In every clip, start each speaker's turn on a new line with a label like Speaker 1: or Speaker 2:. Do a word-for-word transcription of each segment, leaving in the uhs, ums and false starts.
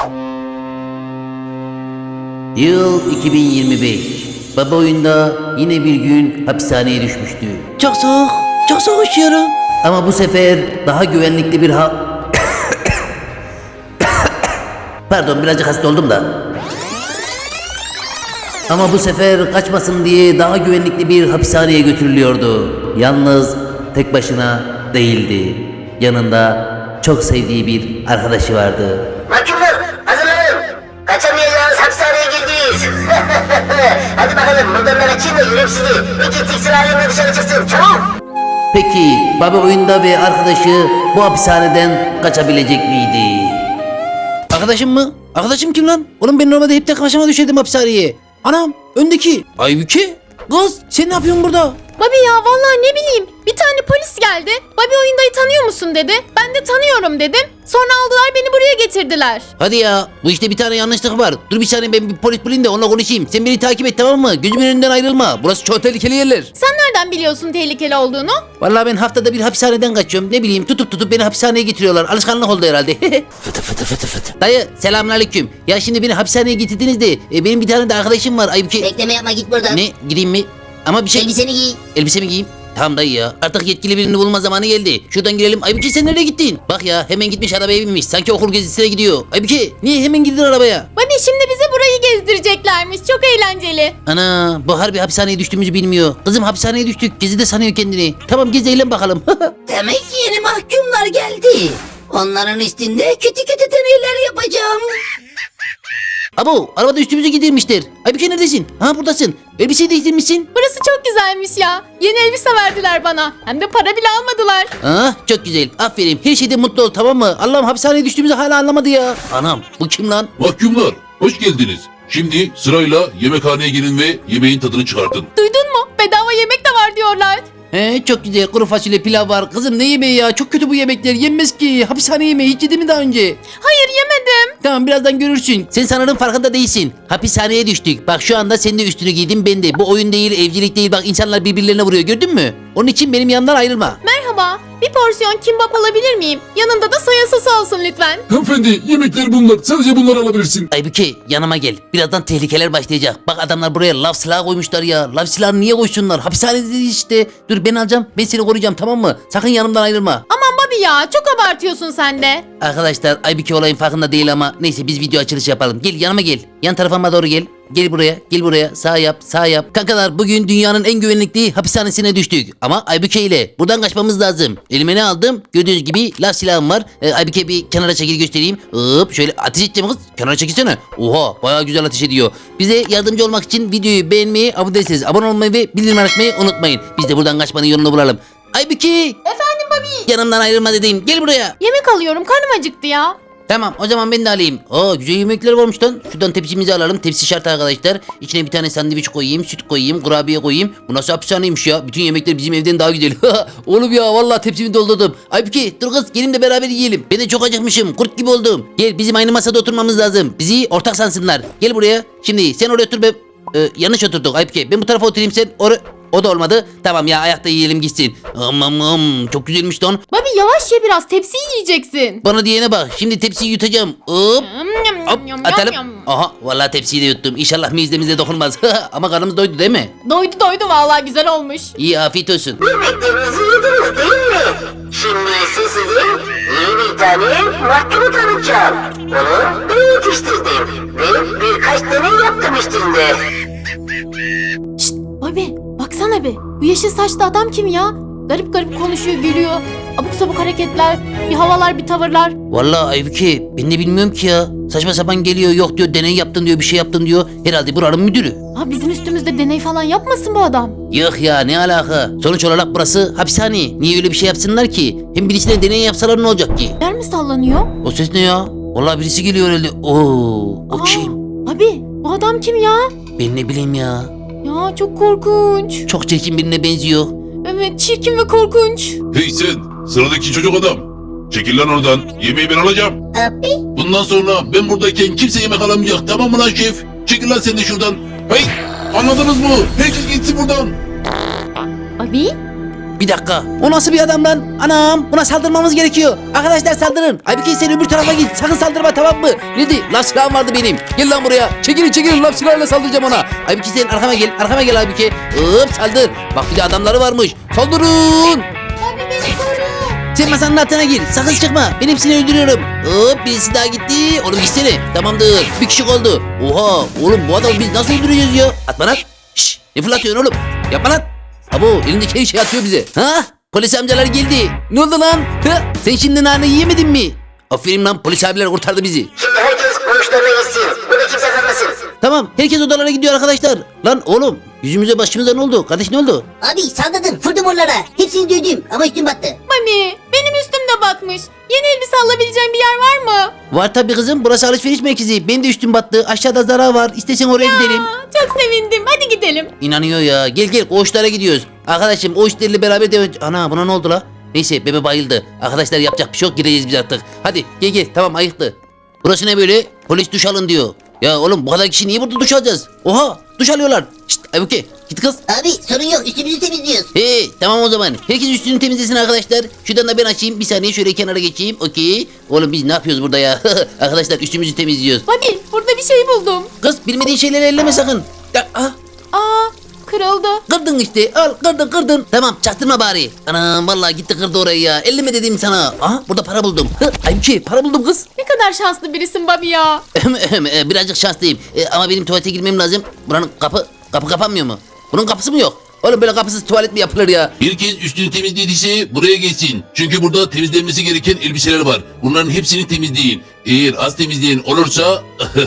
Speaker 1: Yıl iki bin yirmi beş. Baba oyunda yine bir gün hapishaneye düşmüştü.
Speaker 2: Çok soğuk. Çok soğuk üşüyorum.
Speaker 1: Ama bu sefer daha güvenlikli bir ha... Pardon, birazcık hasta oldum da. Ama bu sefer kaçmasın diye daha güvenlikli bir hapishaneye götürülüyordu. Yalnız tek başına değildi. Yanında çok sevdiği bir arkadaşı vardı.
Speaker 3: Mahkumlar hazırlanın. Kaçamayacağınız hapishaneye girdiyiz. Hadi bakalım buradan da kaçayım da yürüyüm sizi. İki tek sırayla dışarı çıksın çabuk.
Speaker 1: Peki baba oyunda ve arkadaşı bu hapishaneden kaçabilecek miydi?
Speaker 2: Arkadaşım mı? Arkadaşım kim lan? Oğlum ben normalde hep tek başıma düşerdim hapishaneye. Anam öndeki. Aybüke. Kız sen ne yapıyorsun burada?
Speaker 4: Babi ya vallahi ne bileyim bir tane polis geldi. Babi oyundayı tanıyor musun dedi. Ben de tanıyorum dedim. Sonra aldılar beni buraya getirdiler.
Speaker 2: Hadi ya bu işte bir tane yanlışlık var. Dur bir saniye ben bir polis bulayım da onunla konuşayım. Sen beni takip et tamam mı? Gözümün önünden ayrılma. Burası çok tehlikeli yerler.
Speaker 4: Sen nereden biliyorsun tehlikeli olduğunu?
Speaker 2: Vallahi ben haftada bir hapishaneden kaçıyorum. Ne bileyim tutup tutup beni hapishaneye getiriyorlar. Alışkanlık oldu herhalde. Fıtı fıtı fıtı fıtı. Dayı selamünaleyküm. Ya şimdi beni hapishaneye getirdiniz de e, benim bir tane de arkadaşım var. Aybüke.
Speaker 3: Bekleme yapma git buradan.
Speaker 2: Ne gideyim mi? Ama bir şey...
Speaker 3: Elbiseni giy.
Speaker 2: Elbise mi giyeyim? Tamam dayı ya. Artık yetkili birini bulma zamanı geldi. Şuradan girelim. Aybüke sen nereye gittin? Bak ya hemen gitmiş arabaya binmiş. Sanki okul gezisine gidiyor. Aybüke niye hemen girdin arabaya?
Speaker 4: Babi şimdi bize burayı gezdireceklermiş. Çok eğlenceli.
Speaker 2: Ana bu harbi hapishaneye düştüğümüzü bilmiyor. Kızım hapishaneye düştük. Gezi de sanıyor kendini. Tamam gez eğlen bakalım.
Speaker 3: Demek ki yeni mahkumlar geldi. Onların üstünde kötü kötü deneyler yapacağım.
Speaker 2: Abo arabada üstümüze gidirmişler. Aybüke neredesin? Ha buradasın. Elbiseyi değiştirmişsin.
Speaker 4: Burası çok güzelmiş ya. Yeni elbise verdiler bana. Hem de para bile almadılar.
Speaker 2: Ah çok güzel. Aferin. Her şeyde mutlu ol tamam mı? Allah'ım hapishaneye düştüğümüzü hala anlamadı ya. Anam bu kim lan?
Speaker 5: Mahkumlar, hoş geldiniz. Şimdi sırayla yemekhaneye girin ve yemeğin tadını çıkartın.
Speaker 4: Duydun mu? Bedava yemek de var diyorlar.
Speaker 2: He çok güzel kuru fasulye pilav var. Kızım ne yemeği ya? Çok kötü bu yemekler. Yenmez ki. Hapishane yemeği hiç yedin mi daha önce?
Speaker 4: Hayır yemedim.
Speaker 2: Tamam birazdan görürsün. Sen sanırım farkında değilsin. Hapishaneye düştük. Bak şu anda sen de üstünü giydin ben de. Bu oyun değil evcilik değil. Bak insanlar birbirlerine vuruyor gördün mü? Onun için benim yanımdan ayrılma.
Speaker 4: Merhaba. Bir porsiyon kimbap alabilir miyim? Yanında da soya sosu olsun lütfen.
Speaker 5: Hanımefendi, yemekler bunlar. Sadece bunları alabilirsin.
Speaker 2: Aybüke yanıma gel. Birazdan tehlikeler başlayacak. Bak adamlar buraya lav silahı koymuşlar ya. Lav silahını niye koysunlar? Hapishanede işte. Dur ben alacağım. Ben seni koruyacağım tamam mı? Sakın yanımdan ayrılma.
Speaker 4: Aman Babi ya çok abartıyorsun sen de.
Speaker 2: Arkadaşlar Aybüke olayın farkında değil ama neyse biz video açılışı yapalım. Gel yanıma gel. Yan tarafıma doğru gel. Gel buraya, gel buraya. Sağ yap, sağ yap. Kankalar bugün dünyanın en güvenlikli hapishanesine düştük. Ama Aybüke ile buradan kaçmamız lazım. Elime ne aldım? Gördüğünüz gibi lav silahım var. Ee, Aybüke bir kenara çekil göstereyim. Hop şöyle ateş edeceğim kız. Kenara çekilsene. Oha bayağı güzel ateş ediyor. Bize yardımcı olmak için videoyu beğenmeyi, abone değilseniz abone olmayı ve bildirim açmayı unutmayın. Biz de buradan kaçmanın yolunu bulalım. Aybüke!
Speaker 4: Efendim Babi.
Speaker 2: Yanımdan ayrılma dediğim. Gel buraya.
Speaker 4: Yemek alıyorum karnım acıktı ya.
Speaker 2: Tamam o zaman ben de alayım. Aa güzel yemekler varmış lan. Şuradan tepsimizi alalım. Tepsi şart arkadaşlar. İçine bir tane sandviç koyayım, süt koyayım, kurabiye koyayım. Bu nasıl hapishaneymiş ya? Bütün yemekler bizim evden daha güzel. Oğlum ya vallahi tepsimi doldurdum. Aybüke dur kız gelin de beraber yiyelim. Ben de çok acıkmışım. Kurt gibi oldum. Gel bizim aynı masada oturmamız lazım. Bizi ortak sansınlar. Gel buraya. Şimdi sen oraya otur be. Ee, yanlış oturduk Aybüke. Ben bu tarafa oturayım sen oraya. O da olmadı. Tamam ya ayakta yiyelim gitsin. Aman aman çok güzelmiş lan.
Speaker 4: Babi yavaş ye biraz tepsiyi yiyeceksin.
Speaker 2: Bana diyene bak. Şimdi tepsiyi yutacağım. Hop. Hop atalım. Aha vallahi tepsiyi de yuttum. İnşallah mizdemize dokunmaz. Ama karnımız doydu değil mi?
Speaker 4: Doydu doydu vallahi güzel olmuş.
Speaker 2: İyi afiyet olsun.
Speaker 3: Yemeklerinizi yediniz değil mi? Şimdi size yeni bir tane mahkumu tanıtacağım. Onu ben yetiştirdim. Ve birkaç deney yaptım üstünde.
Speaker 4: Şşt Babi baksana be. Bu yeşil saçlı adam kim ya? Garip garip konuşuyor gülüyor. Abuk sabuk hareketler, bir havalar bir tavırlar.
Speaker 2: Vallahi Aybüke ben de bilmiyorum ki ya. Saçma sapan geliyor yok diyor deney yaptın diyor bir şey yaptın diyor. Herhalde buranın müdürü.
Speaker 4: Ha bizim üstümüzde deney falan yapmasın bu adam.
Speaker 2: Yok ya ne alaka. Sonuç olarak burası hapishane. Niye öyle bir şey yapsınlar ki? Hem birisine deney yapsalar ne olacak ki?
Speaker 4: Yer mi sallanıyor?
Speaker 2: O ses ne ya? Vallahi birisi geliyor herhalde. Oo, o kim?
Speaker 4: Babi bu adam kim ya?
Speaker 2: Ben ne bileyim ya.
Speaker 4: Ya çok korkunç.
Speaker 2: Çok çirkin birine benziyor.
Speaker 4: Evet çirkin ve korkunç.
Speaker 5: Hey sen, sıradaki çocuk adam. Çekil lan oradan. Yemeği ben alacağım.
Speaker 3: Abi.
Speaker 5: Bundan sonra ben buradayken kimse yemek alamayacak. Tamam mı lan şef? Çekil lan sen de şuradan. Hey, anladınız mı? Herkes gitsin buradan.
Speaker 4: Abi
Speaker 2: Bir dakika. O nasıl bir adam lan? Anam buna saldırmamız gerekiyor. Arkadaşlar saldırın. Aybüke sen öbür tarafa git. Sakın saldırma tamam mı? Neydi? Laf silahım vardı benim. Gel lan buraya. Çekilin çekilin laf silahıyla saldıracağım ona. Aybüke sen arkama gel. Arkama gel Aybüke. Hop saldır. Bak bir de adamları varmış. Saldırın.
Speaker 4: Abi beni koru.
Speaker 2: Sen masanın altına gir. Sakın çıkma. Ben hepsini öldürüyorum. Hop birisi daha gitti. Oğlum gitsene. Tamamdır. Bir kişi oldu. Oha oğlum bu adamı biz nasıl öldüreceğiz ya? Atma lan. Şşş ne fırlatıyorsun oğlum? Yapma lan. Abo elindeki her şey atıyor bize. Ha? Polis amcalar geldi. Ne oldu lan? Ha? Sen şimdi nane yiyemedin mi? Aferin lan polis abiler kurtardı bizi.
Speaker 3: Şimdi herkes koğuşlarına gitsin. Burada kimse kalmasın.
Speaker 2: Tamam herkes odalara gidiyor arkadaşlar. Lan oğlum yüzümüze başımıza ne oldu? Kardeş ne oldu?
Speaker 6: Abi saldırdın vurdum onlara. Hepsini dövdüm ama üstüm battı.
Speaker 4: Mami benim üstüm de batmış. Yeni elbise alabileceğim bir yer var mı?
Speaker 2: Var tabii kızım burası alışveriş merkezi. Benim de üstüm battı. Aşağıda Zara var. İstesen oraya gidelim.
Speaker 4: Aa, çok sevindim. Hadi gidelim.
Speaker 2: İnanıyor ya. Gel gel koğuşlara gidiyoruz. Arkadaşım o işlerle beraber devam. Ana buna ne oldu la? Neyse bebe bayıldı. Arkadaşlar yapacak bir şey yok gireceğiz biz artık. Hadi gel gel tamam ayıktı. Burası ne böyle? Polis duş alın diyor. Ya oğlum bu kadar kişi niye burada duş alacağız? Oha duş alıyorlar. Şşt Aybüke git kız.
Speaker 6: Abi sorun yok üstümüzü temizliyoruz.
Speaker 2: Hey tamam o zaman. Herkes üstünü temizlesin arkadaşlar. Şuradan da ben açayım. Bir saniye şöyle kenara geçeyim. Okey. Oğlum biz ne yapıyoruz burada ya? Arkadaşlar üstümüzü temizliyoruz.
Speaker 4: Mami burada bir şey buldum.
Speaker 2: Kız bilmediğin şeyleri elleme sakın. Ya, ah.
Speaker 4: Aa kırıldı.
Speaker 2: Kırdın işte al kırdın kırdın. Tamam çaktırma bari. Anam vallahi gitti kırdı orayı ya. Elleme dedim sana. Aha burada para buldum. Hı, Aybüke para buldum kız.
Speaker 4: Ne kadar şanslı birisin Bobby ya.
Speaker 2: E, Birazcık şanslıyım. E, ama benim tuvalete girmem lazım. Buranın kapı kapı kapanmıyor mu? Bunun kapısı mı yok? Oğlum böyle kapısız tuvalet mi yapılır ya?
Speaker 5: Herkes üstünü temizlediyse buraya gelsin. Çünkü burada temizlenmesi gereken elbiseler var. Bunların hepsini temizleyin. Eğer az temizleyen olursa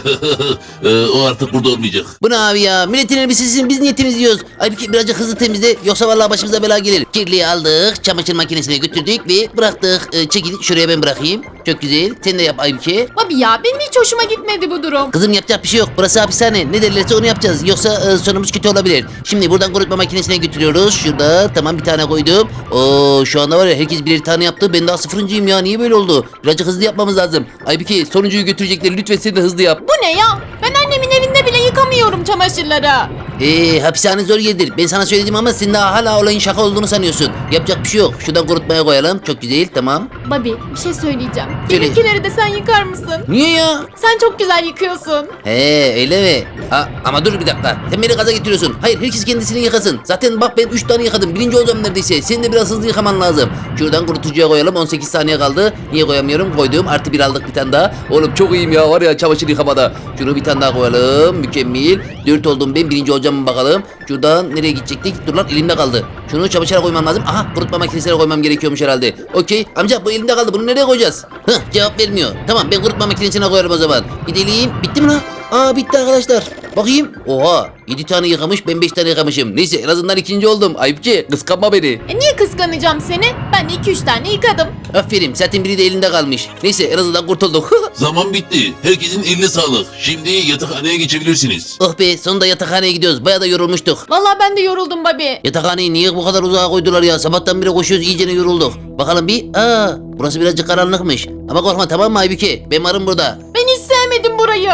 Speaker 5: e, o artık burada olmayacak.
Speaker 2: Bu ne abi ya? Milletin elbisesini biz niye temizliyoruz? Aybüke birazcık hızlı temizle yoksa vallahi başımıza bela gelir. Kirliyi aldık, çamaşır makinesine götürdük ve bıraktık. E, çekil şuraya ben bırakayım. Çok güzel. Sen de yap Aybüke.
Speaker 4: Bobby ya benim hiç hoşuma gitmedi bu durum.
Speaker 2: Kızım yapacak bir şey yok. Burası hapishane. Ne derlerse onu yapacağız. Yoksa e, sonumuz kötü olabilir. Şimdi buradan kurutma makinesine götürüyoruz. Şurada tamam bir tane koydum. Oo şu anda var ya herkes birer tane yaptı. Ben daha sıfırıncıyım ya. Niye böyle oldu? Birazcık hızlı yapmamız lazım. Aybüke sonuncuyu götürecekler. Lütfen sen de hızlı yap.
Speaker 4: Bu ne ya? Ben annemin evinde bile yıkamıyorum çamaşırları.
Speaker 2: Eee hapishane zor yerdir. Ben sana söyledim ama sen daha hala olayın şaka olduğunu sanıyorsun. Yapacak bir şey yok. Şuradan kurutmaya koyalım. Çok güzel tamam.
Speaker 4: Bobby bir şey söyleyeceğim.
Speaker 2: Söyle.
Speaker 4: Benimkileri de sen yıkar mısın?
Speaker 2: Niye ya?
Speaker 4: Sen çok güzel yıkıyorsun.
Speaker 2: He öyle mi? Ha, ama dur bir dakika. Sen beni gaza getiriyorsun. Hayır herkes kendisini yıkasın. Zaten bak ben üç tane yıkadım. Birinci olacağım neredeyse. Senin de biraz hızlı yıkaman lazım. Şuradan kurutucuya koyalım. on sekiz saniye kaldı. Niye koyamıyorum? Koydum. Artı bir aldık bir tane daha. Oğlum çok iyiyim ya var ya çamaşır yıkamada. Şunu bir tane daha koyalım. Mükemmel. dört oldum ben. Birinci olacağım mı bakalım. Şuradan nereye gidecektik? Dur lan elimde kaldı. Şunu çamaşıra koymam lazım. Aha kurutma makinesine koymam gerekiyormuş herhalde. Okey. Amca bu elimde kaldı. Bunu nereye koyacağız? Hıh cevap vermiyor. Tamam ben kurutma makinesine koyarım o zaman. Gidelim. Bitti mi lan? Aa bitti arkadaşlar. Bakayım. Oha yedi tane yıkamış ben beş tane yıkamışım. Neyse en azından ikinci oldum. Ayıpçı kıskanma beni.
Speaker 4: E niye kıskanacağım seni? Ben de iki üç tane yıkadım.
Speaker 2: Aferin zaten biri de elinde kalmış. Neyse en azından kurtulduk.
Speaker 5: Zaman bitti. Herkesin eline sağlık. Şimdi yatakhaneye geçebilirsiniz.
Speaker 2: Oh be sonunda yatakhaneye gidiyoruz. Bayağı da yorulmuştuk.
Speaker 4: Vallahi ben de yoruldum Bobby.
Speaker 2: Yatakhaneyi niye bu kadar uzağa koydular ya? Sabahtan beri koşuyoruz iyicene yorulduk. Bakalım bir. Aa burası birazcık karanlıkmış. Ama korkma tamam mı Aybüke? Ben varım burada.
Speaker 4: Ben hiç sevmedim burayı.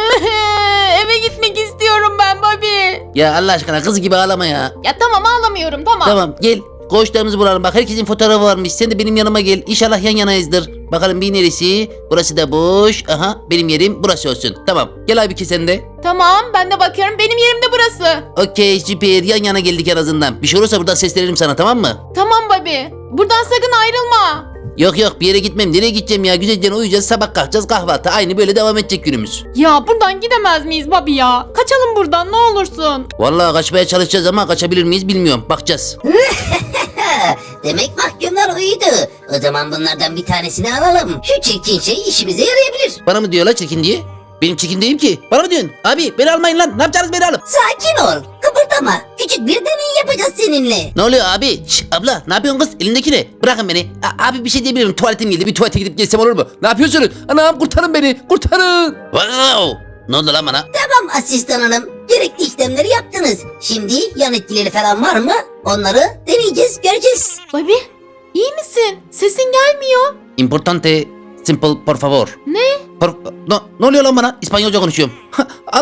Speaker 4: Eve gitmek istiyorum ben Bobby.
Speaker 2: Ya Allah aşkına kız gibi ağlama ya.
Speaker 4: Ya tamam ağlamıyorum tamam.
Speaker 2: Tamam gel. Koğuşlarımızı bulalım. Bak herkesin fotoğrafı varmış. Sen de benim yanıma gel. İnşallah yan yanayızdır. Bakalım bir neresi? Burası da boş. Aha benim yerim burası olsun. Tamam. Gel Aybüke sen de.
Speaker 4: Tamam ben de bakıyorum benim yerim de burası.
Speaker 2: Okey süper. Yan yana geldik en azından. Bir şey olursa buradan seslenelim sana tamam mı?
Speaker 4: Tamam Bobby. Buradan sakın ayrılma.
Speaker 2: Yok yok bir yere gitmem. Nereye gideceğim ya? Güzelce uyuyacağız. Sabah kalkacağız kahvaltı. Aynı böyle devam edecek günümüz.
Speaker 4: Ya buradan gidemez miyiz Bobby ya? Kaçalım buradan ne olursun.
Speaker 2: Vallahi kaçmaya çalışacağız ama kaçabilir miyiz bilmiyorum. Bakacağız.
Speaker 6: Demek mahkumlar uyudu. O zaman bunlardan bir tanesini alalım. Şu çirkin şey işimize yarayabilir.
Speaker 2: Bana mı diyorlar çirkin diye? Benim çirkin değilim ki. Bana mı diyorsun? Abi beni almayın lan. Ne yapacaksınız beni alıp?
Speaker 6: Sakin ol. Kıpırdama. Küçük bir deney yapacağız seninle.
Speaker 2: Ne oluyor abi? Şş, abla ne yapıyorsun kız? Elindeki ne? Bırakın beni. A- abi bir şey diyebilirim. Tuvaletim geldi. Bir tuvalete gidip gelsem olur mu? Ne yapıyorsunuz? Anam kurtarın beni. Kurtarın. Wow. Ne oldu lan bana?
Speaker 6: Tamam asistan hanım. Gerekli işlemleri yaptınız. Şimdi yan etkileri falan var mı? Onları deneyeceğiz, göreceğiz.
Speaker 4: Bobby iyi misin? Sesin gelmiyor.
Speaker 2: Importante, simple, por favor.
Speaker 4: Ne?
Speaker 2: Por... No, ne oluyor lan bana? İspanyolca konuşuyorum. Allah.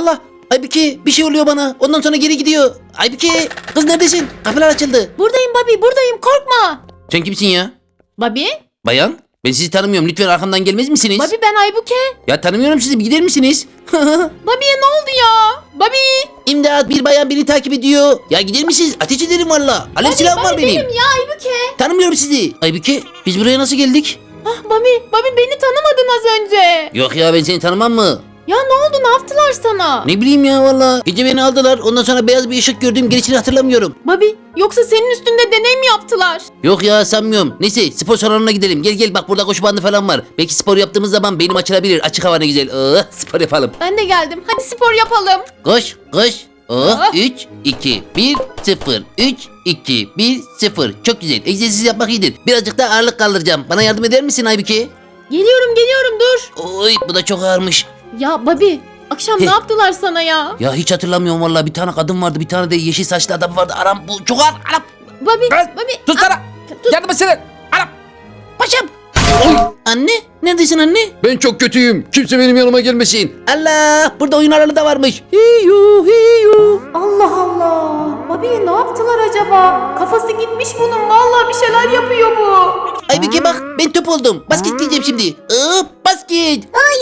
Speaker 2: Aybüke bir şey oluyor bana. Ondan sonra geri gidiyor. Aybüke kız neredesin? Kapılar açıldı.
Speaker 4: Buradayım Bobby, buradayım, korkma.
Speaker 2: Sen kimsin ya?
Speaker 4: Bobby?
Speaker 2: Bayan ben sizi tanımıyorum. Lütfen arkamdan gelmez misiniz?
Speaker 4: Bobby ben Aybüke.
Speaker 2: Ya tanımıyorum sizi. Bir gider misiniz?
Speaker 4: Bobby'ye ne oldu ya? Bobby!
Speaker 2: İmdat bir bayan beni takip ediyor. Ya gider misiniz? Ateş ederim valla. Alev silahım var
Speaker 4: Bobby
Speaker 2: benim.
Speaker 4: benim ya Aybüke.
Speaker 2: Tanımıyorum sizi. Aybüke biz buraya nasıl geldik?
Speaker 4: Ah Bobby, Bobby beni tanımadın az önce.
Speaker 2: Yok ya ben seni tanımam mı?
Speaker 4: Ya ne oldu, ne yaptılar sana?
Speaker 2: Ne bileyim ya valla. Gece beni aldılar. Ondan sonra beyaz bir ışık gördüm. Gerisini hatırlamıyorum.
Speaker 4: Bobby, yoksa senin üstünde deney mi yaptılar?
Speaker 2: Yok ya sanmıyorum. Neyse spor salonuna gidelim. Gel gel bak burada koşu bandı falan var. Belki spor yaptığımız zaman beynim açılabilir. Açık hava ne güzel. Oh, spor yapalım.
Speaker 4: Ben de geldim. Hadi spor yapalım.
Speaker 2: Koş koş. Oh,
Speaker 4: Ah.
Speaker 2: üç, iki, bir, sıfır. üç, iki, bir, sıfır. Çok güzel. Egzersiz yapmak iyidir. Birazcık da ağırlık kaldıracağım. Bana yardım eder misin Aybüke?
Speaker 4: Geliyorum, geliyorum, dur.
Speaker 2: Oy bu da çok ağırmış.
Speaker 4: Ya Bobby, akşam ne
Speaker 2: Heh.
Speaker 4: yaptılar sana ya?
Speaker 2: Ya hiç hatırlamıyorum vallahi. Bir tane kadın vardı. Bir tane de yeşil saçlı adam vardı. Aram bu çok ağır. Aram.
Speaker 4: Bobby,
Speaker 2: Kız,
Speaker 4: Bobby.
Speaker 2: Sus sana.
Speaker 4: Tut.
Speaker 2: Yardım etsene. Aram. Paşam. Oy. Anne. Neredesin anne? Ben çok kötüyüm. Kimse benim yanıma gelmesin. Allah. Burada oyun aralı da varmış. Hiyu hiyu.
Speaker 4: Allah Allah. Bobby'ye ne yaptılar acaba? Kafası gitmiş bunun. Vallahi bir şeyler yapıyor bu.
Speaker 2: Aybüke bak ben top oldum. Basket diyeceğim şimdi. Hop basket.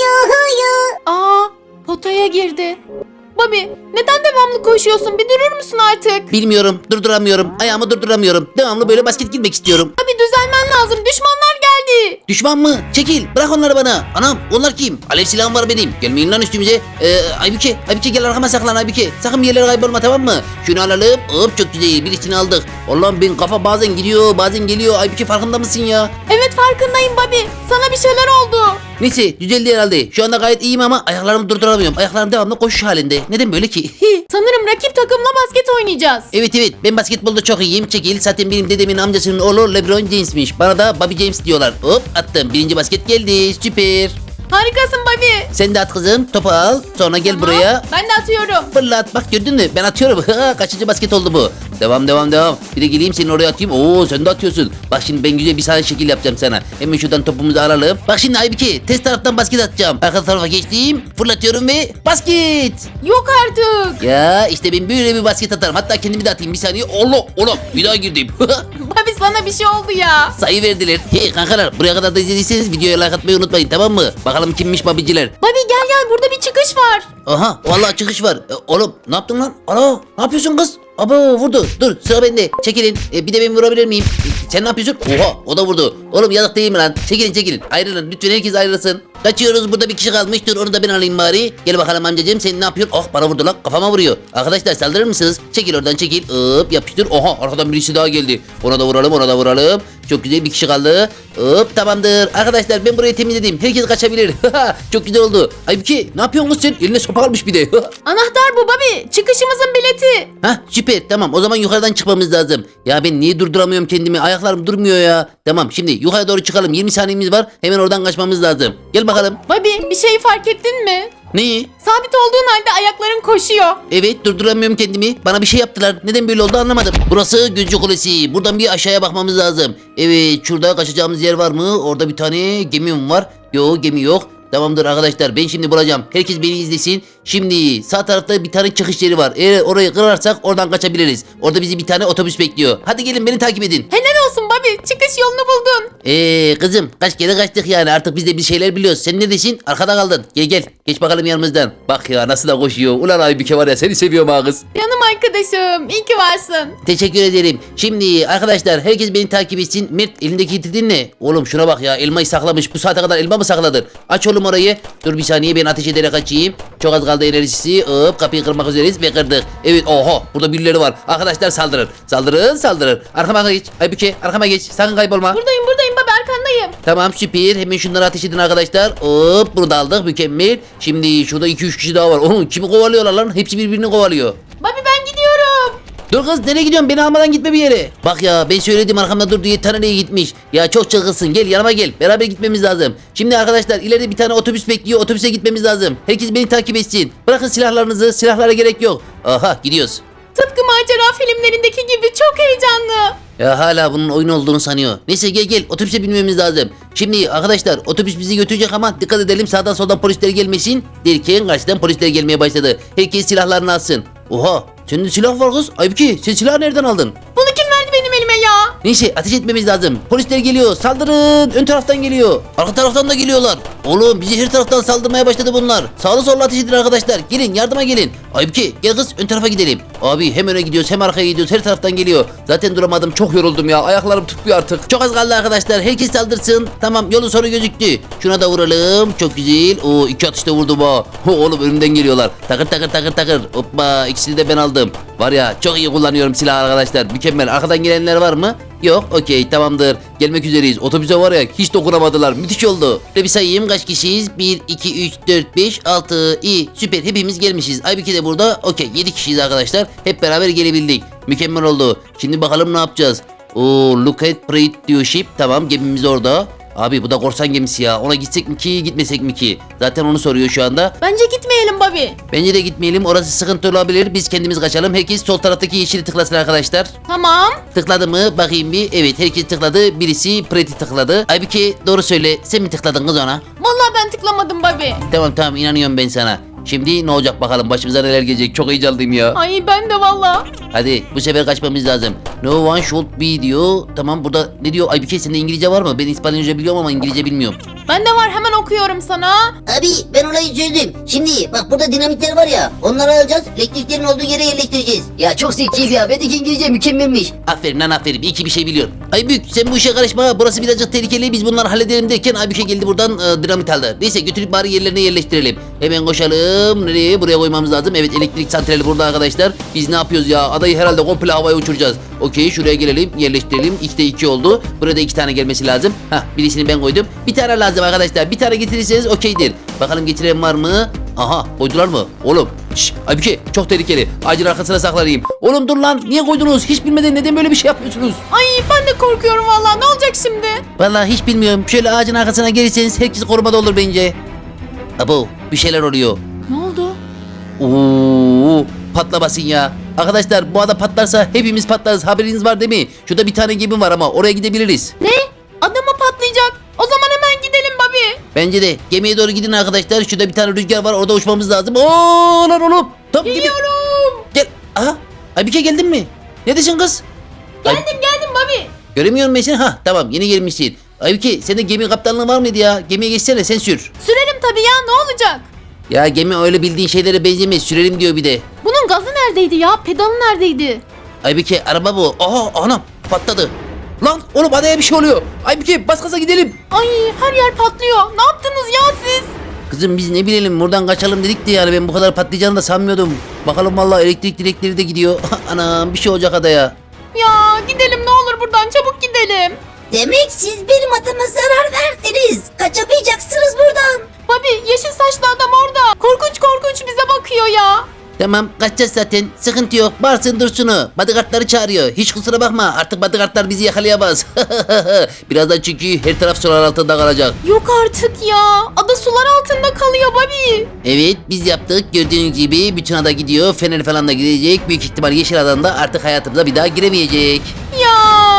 Speaker 4: Aa, potaya girdi. Bobby, neden devamlı koşuyorsun? Bir durur musun artık?
Speaker 2: Bilmiyorum. Durduramıyorum. Ayağımı durduramıyorum. Devamlı böyle basket girmek istiyorum.
Speaker 4: Bobby düzelmen lazım. Düşmanlar geldi.
Speaker 2: Düşman mı? Çekil. Bırak onları bana. Anam onlar kim? Alev silahım var benim. Gelmeyin lan üstümüze. Ee, Aybüke. Aybüke gel arkama saklan Aybüke. Sakın bir yerlere kaybolma tamam mı? Şunu alalım. Hop çok güzel. Birisini aldık. Allah'ım benim kafa bazen gidiyor bazen geliyor. Aybüke farkında mısın ya?
Speaker 4: Evet farkındayım Bobby. Sana bir şeyler oldu.
Speaker 2: Neyse düzeldi herhalde. Şu anda gayet iyiyim ama ayaklarımı durduramıyorum. Ayaklarım devamlı koşuş halinde. Neden böyle ki?
Speaker 4: Sanırım rakip takımla basket oynayacağız.
Speaker 2: Evet evet ben basketbolda çok iyiyim. Çekil zaten benim dedemin amcasının oğlu LeBron James'miş. Bana da Bobby James diyorlar. Hop attım. Birinci basket geldi. Süper.
Speaker 4: Harikasın Bobby.
Speaker 2: Sen de at kızım. Topu al. Sonra gel
Speaker 4: Tamam,
Speaker 2: buraya.
Speaker 4: Ben de atıyorum.
Speaker 2: Fırlat. Bak gördün mü? Ben atıyorum. Kaçıncı basket oldu bu? Devam devam devam. Bir de geleyim seni oraya atayım. Oo sen de atıyorsun. Bak şimdi ben güzel bir sahne şekil yapacağım sana. Hemen şuradan topumuzu alalım. Bak şimdi Aybüke test taraftan basket atacağım. Arka tarafa geçtim. Fırlatıyorum ve basket.
Speaker 4: Yok artık.
Speaker 2: Ya işte ben böyle bir basket atarım. Hatta kendimi de atayım bir saniye. Allah Allah bir daha girdim.
Speaker 4: Bobby sana bir şey oldu ya.
Speaker 2: Sayı verdiler. Hey kankalar buraya kadar da izlediyseniz videoya like atmayı unutmayın tamam mı? Bakalım kimmiş babiciler.
Speaker 4: Bobby gel gel, burada bir çıkış var.
Speaker 2: Aha vallahi çıkış var. E, oğlum ne yaptın lan? Alo ne yapıyorsun kız? Abo vurdu. Dur sıra bende. Çekilin. E, bir de ben vurabilir miyim? E, sen ne yapıyorsun? Oha o da vurdu. Oğlum yazık değil mi lan? Çekilin çekilin. Ayrılın. Lütfen herkes ayrılsın. Kaçıyoruz. Burada bir kişi kalmış. Dur onu da ben alayım bari. Gel bakalım amcacığım sen ne yapıyorsun? Oh bana vurdu lan. Kafama vuruyor. Arkadaşlar saldırır mısınız? Çekil oradan çekil. Hop yapıştır. Oha arkadan birisi daha geldi. Ona da vuralım ona da vuralım. Çok güzel bir kişi kaldı. Hop tamamdır. Arkadaşlar ben burayı temizledim. Herkes kaçabilir. Çok güzel oldu. Aybüke ne yapıyorsun kız sen? Eline sopa almış bir de.
Speaker 4: Anahtar bu Bobby. Çıkışımızın bileti.
Speaker 2: Hah süper tamam o zaman yukarıdan çıkmamız lazım. Ya ben niye durduramıyorum kendimi ayaklarım durmuyor ya. Tamam şimdi yukarı doğru çıkalım yirmi saniyemiz var hemen oradan kaçmamız lazım. Gel bakalım.
Speaker 4: Bobby bir şeyi fark ettin mi?
Speaker 2: Neyi?
Speaker 4: Sabit olduğun halde ayakların koşuyor.
Speaker 2: Evet durduramıyorum kendimi. Bana bir şey yaptılar. Neden böyle oldu anlamadım. Burası Gözcü Kulesi. Buradan bir aşağıya bakmamız lazım. Evet şurada kaçacağımız yer var mı? Orada bir tane gemi mi var? Yok gemi yok. Tamamdır arkadaşlar ben şimdi bulacağım. Herkes beni izlesin. Şimdi sağ tarafta bir tane çıkış yeri var. Eğer orayı kırarsak oradan kaçabiliriz. Orada bizi bir tane otobüs bekliyor. Hadi gelin beni takip edin.
Speaker 4: Helal olsun Bobby. Çıkış yolunu buldun.
Speaker 2: Eee kızım kaç kere kaçtık yani artık biz de bir şeyler biliyoruz. Sen neredesin? Arkada kaldın. Gel gel. Geç bakalım yanımızdan. Bak ya nasıl da koşuyor. Ulan Aybüke var ya seni seviyorum ha kız.
Speaker 4: Canım arkadaşım. İyi ki varsın.
Speaker 2: Teşekkür ederim. Şimdi arkadaşlar herkes beni takip etsin. Mert elindeki titrin ne? Oğlum şuna bak ya elmayı saklamış. Bu saate kadar elma mı sakladın? Aç oğlum orayı. Dur bir saniye ben ateş ederek açayım. Çok az kaldı enerjisi. Hop kapıyı kırmak üzereyiz ve kırdık. Evet oho burada birileri var. Arkadaşlar saldırın. Saldırın saldırın. Arkama geç. Aybüke arkama geç. Sakın kaybolma.
Speaker 4: Buradayım buradayım Bobby, arkandayım.
Speaker 2: Tamam süper. Hemen şunları ateş edin arkadaşlar. Hop bunu da aldık mükemmel. Şimdi şurada iki üç kişi daha var. Oğlum kimi kovalıyorlar lan? Hepsi birbirini kovalıyor.
Speaker 4: Bobby ben gidiyorum.
Speaker 2: Dur kız nereye gidiyorsun? Beni almadan gitme bir yere. Bak ya ben söyledim arkamda dur diye tane nereye gitmiş. Ya çok çılgınsın gel yanıma gel. Beraber gitmemiz lazım. Şimdi arkadaşlar ileride bir tane otobüs bekliyor. Otobüse gitmemiz lazım. Herkes beni takip etsin. Bırakın silahlarınızı. Silahlara gerek yok. Aha gidiyoruz.
Speaker 4: Tıpkı macera filmlerindeki gibi çok heyecanlı.
Speaker 2: Ya hala bunun oyun olduğunu sanıyor. Neyse gel gel otobüse binmemiz lazım. Şimdi arkadaşlar otobüs bizi götürecek ama dikkat edelim sağdan soldan polisler gelmesin. Derken karşıdan polisler gelmeye başladı. Herkes silahlarını alsın. Oha senin silah var kız. Aybüke sen silahı nereden aldın?
Speaker 4: Bunu kim verdi benim elime ya?
Speaker 2: Neyse ateş etmemiz lazım. Polisler geliyor saldırın. Ön taraftan geliyor. Arka taraftan da geliyorlar. Oğlum bizi her taraftan saldırmaya başladı bunlar. Sağlı sollu ateş edin arkadaşlar. Gelin yardıma gelin. Aybüke gel kız ön tarafa gidelim. Abi hem öne gidiyoruz hem arkaya gidiyoruz. Her taraftan geliyor. Zaten duramadım çok yoruldum ya. Ayaklarım tutmuyor artık. Çok az kaldı arkadaşlar. Herkes saldırsın. Tamam yolun sonu gözüktü. Şuna da vuralım. Çok güzel. Oo iki atışta vurdum ha. Oğlum önümden geliyorlar. Takır takır takır takır. Hoppa ikisini de ben aldım. Var ya çok iyi kullanıyorum silah arkadaşlar. Mükemmel. Arkadan gelenler var mı? Yok okey tamamdır. Gelmek üzereyiz. Otobüse var ya hiç dokunamadılar. Müthiş oldu. Şöyle bir sayayım kaç kişiyiz? bir, iki, üç, dört, beş, altı. İyi süper hepimiz gelmişiz. Aybüke de burada. Okey yedi kişiyiz arkadaşlar. Hep beraber gelebildik. Mükemmel oldu. Şimdi bakalım ne yapacağız? Oo look at Pride diyor ship. Tamam gemimiz orada. Abi bu da korsan gemisi ya. Ona gitsek mi ki gitmesek mi ki? Zaten onu soruyor şu anda.
Speaker 4: Bence gitmeyelim Bobby.
Speaker 2: Bence de gitmeyelim. Orası sıkıntı olabilir. Biz kendimiz kaçalım. Herkes sol taraftaki yeşili tıklasın arkadaşlar.
Speaker 4: Tamam.
Speaker 2: Tıkladı mı? Bakayım bir. Evet herkes tıkladı. Birisi Pretty tıkladı. Aybüke doğru söyle. Sen mi tıkladın kız ona?
Speaker 4: Vallahi ben tıklamadım Bobby.
Speaker 2: Tamam tamam inanıyorum ben sana. Şimdi ne olacak bakalım başımıza neler gelecek. Çok heyecanlıyım ya.
Speaker 4: Ay ben de valla.
Speaker 2: Hadi bu sefer kaçmamız lazım. No one should be diyor. Tamam burada ne diyor? Aybüke sende İngilizce var mı? Ben İspanyolca biliyorum ama İngilizce bilmiyorum.
Speaker 4: Ben de var hemen okuyorum sana.
Speaker 6: Abi ben olayı çözdüm. Şimdi bak burada dinamitler var ya. Onları alacağız. Elektriklerin olduğu yere yerleştireceğiz. Ya çok zekiyim ya. Bendeki İngilizce mükemmelmiş.
Speaker 2: Aferin lan aferin. İyi ki bir şey biliyorsun. Aybük sen bu işe karışma. Burası birazcık tehlikeli. Biz bunları halledelim derken Aybük'e geldi buradan e, dinamit aldı. Neyse götürüp bari yerlerine yerleştirelim. Hemen koşalım. Nereye? Buraya koymamız lazım. Evet elektrik santrali burada arkadaşlar. Biz ne yapıyoruz ya? Adayı herhalde komple havaya uçuracağız. Okey şuraya gelelim. Yerleştirelim. İkide iki oldu. Burada iki tane gelmesi lazım. Hah birisini ben koydum. Bir tane lazım arkadaşlar. Bir tane getirirseniz okeydir. Bakalım getiren var mı? Aha koydular mı? Oğlum. Şşş Aybüke çok tehlikeli. Ağacın arkasına saklanayım. Oğlum dur lan. Niye koydunuz? Hiç bilmeden neden böyle bir şey yapıyorsunuz?
Speaker 4: Ay ben de korkuyorum valla. Ne olacak şimdi?
Speaker 2: Vallahi hiç bilmiyorum. Şöyle ağacın arkasına gelirseniz herkes korumada olur bence. Abo bir şeyler oluyor.
Speaker 4: Ne oldu?
Speaker 2: Oo, patlamasın ya. Arkadaşlar bu ada patlarsa hepimiz patlarız. Haberiniz var değil mi? Şurada bir tane gemi var ama oraya gidebiliriz.
Speaker 4: Ne? Adamı patlayacak. O zaman hemen gidelim Bobby.
Speaker 2: Bence de gemiye doğru gidin arkadaşlar. Şurada bir tane rüzgar var. Orada uçmamız lazım. Oo lan oğlum. Top gibi.
Speaker 4: Geliyorum.
Speaker 2: Gel. Aha. Aybüke geldin mi? Neredesin kız? Ay-
Speaker 4: Geldim geldim Bobby.
Speaker 2: Göremiyorum ben seni. Ha tamam yeni gelmişsin. Aybüke sende gemi kaptanlığı var mıydı ya? Gemiye geçsene sen sür.
Speaker 4: Sürelim tabii ya ne olacak?
Speaker 2: Ya gemi öyle bildiğin şeylere benzemez. Sürelim diyor bir de.
Speaker 4: Bunun gazı neredeydi ya? Pedalı neredeydi?
Speaker 2: Aybüke araba bu. Aha anam patladı. Lan oğlum adaya bir şey oluyor. Aybüke bas gaza gidelim.
Speaker 4: Ay her yer patlıyor. Ne yaptınız ya siz?
Speaker 2: Kızım biz ne bilelim buradan kaçalım dedik de yani ben bu kadar patlayacağını da sanmıyordum. Bakalım vallahi elektrik direkleri de gidiyor. Anam bir şey olacak adaya.
Speaker 4: Ya gidelim ne olur buradan çabuk gidelim.
Speaker 6: Demek siz benim adama zarar verdiniz. Kaçamayacaksınız buradan.
Speaker 4: Bobby yeşil saçlı adam orada. Korkunç korkunç bize bakıyor ya.
Speaker 2: Tamam kaçacağız zaten sıkıntı yok bağırsın dursun o. Bodyguardları çağırıyor hiç kusura bakma artık bodyguardlar bizi yakalayamaz. Birazdan çünkü her taraf sular altında kalacak.
Speaker 4: Yok artık ya. Ada sular altında kalıyor Bobby.
Speaker 2: Evet biz yaptık gördüğünüz gibi bütün ada gidiyor fener falan da gidecek. Büyük ihtimal yeşil adam da artık hayatımıza bir daha giremeyecek.
Speaker 4: Ya.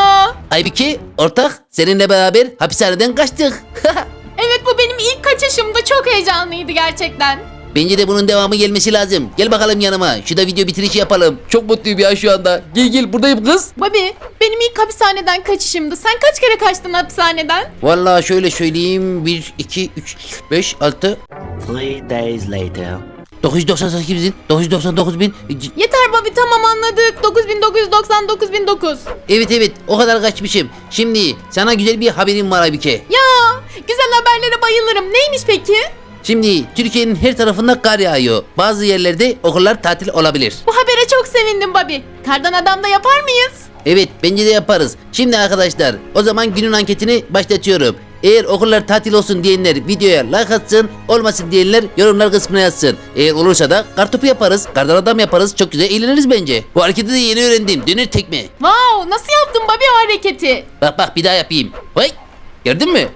Speaker 2: Aybüke ortak seninle beraber hapishaneden kaçtık.
Speaker 4: Evet bu benim ilk kaçışımdı. Çok heyecanlıydı gerçekten.
Speaker 2: Bence de bunun devamı gelmesi lazım. Gel bakalım yanıma. Şurada video bitirişi yapalım. Çok mutluyum ya şu anda. Gel gel buradayım kız.
Speaker 4: Bobby benim ilk hapishaneden kaçışımdı. Sen kaç kere kaçtın hapishaneden?
Speaker 2: Vallahi şöyle söyleyeyim. bir, iki, üç, beş, altı.
Speaker 7: Three days later.
Speaker 2: dokuz yüz doksan sekiz bin. dokuz yüz doksan dokuz bin.
Speaker 4: Yeter Bobby tamam anladık. dokuz bin dokuz yüz doksan dokuz bin dokuz.
Speaker 2: Evet evet o kadar kaçmışım. Şimdi sana güzel bir haberim var Aybüke.
Speaker 4: Ya güzel haberlere bayılırım. Neymiş peki?
Speaker 2: Şimdi Türkiye'nin her tarafında kar yağıyor. Bazı yerlerde okullar tatil olabilir.
Speaker 4: Bu habere çok sevindim Bobby. Kardan adam da yapar mıyız?
Speaker 2: Evet bence de yaparız. Şimdi arkadaşlar o zaman günün anketini başlatıyorum. Eğer okullar tatil olsun diyenler videoya like atsın, olmasın diyenler yorumlar kısmına yazsın. Eğer olursa da kartopu yaparız, kardan adam yaparız. Çok güzel eğleniriz bence. Bu hareketi de yeni öğrendim. Döner tekme.
Speaker 4: Wow nasıl yaptın Bobby o hareketi?
Speaker 2: Bak bak bir daha yapayım. Vay! Gördün mü?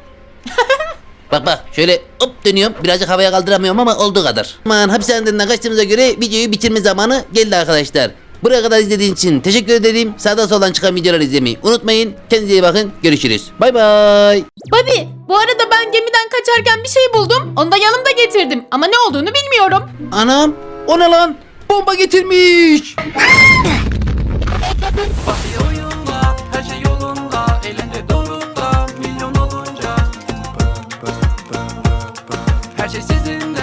Speaker 2: Bak bak şöyle hop dönüyorum. Birazcık havaya kaldıramıyorum ama olduğu kadar. Aman hapishaneden kaçtığımıza göre videoyu bitirme zamanı geldi arkadaşlar. Buraya kadar izlediğiniz için teşekkür ederim. Sağdan soldan çıkan videoları izlemeyi unutmayın. Kendinize iyi bakın. Görüşürüz. Bay bay.
Speaker 4: Bobby, bu arada ben gemiden kaçarken bir şey buldum. Onu da yanımda getirdim. Ama ne olduğunu bilmiyorum.
Speaker 2: Anam, o ne lan? Bomba getirmiş.
Speaker 8: oyunda, her şey yolunda, elinde doğrunda, milyon olunca her şey sizin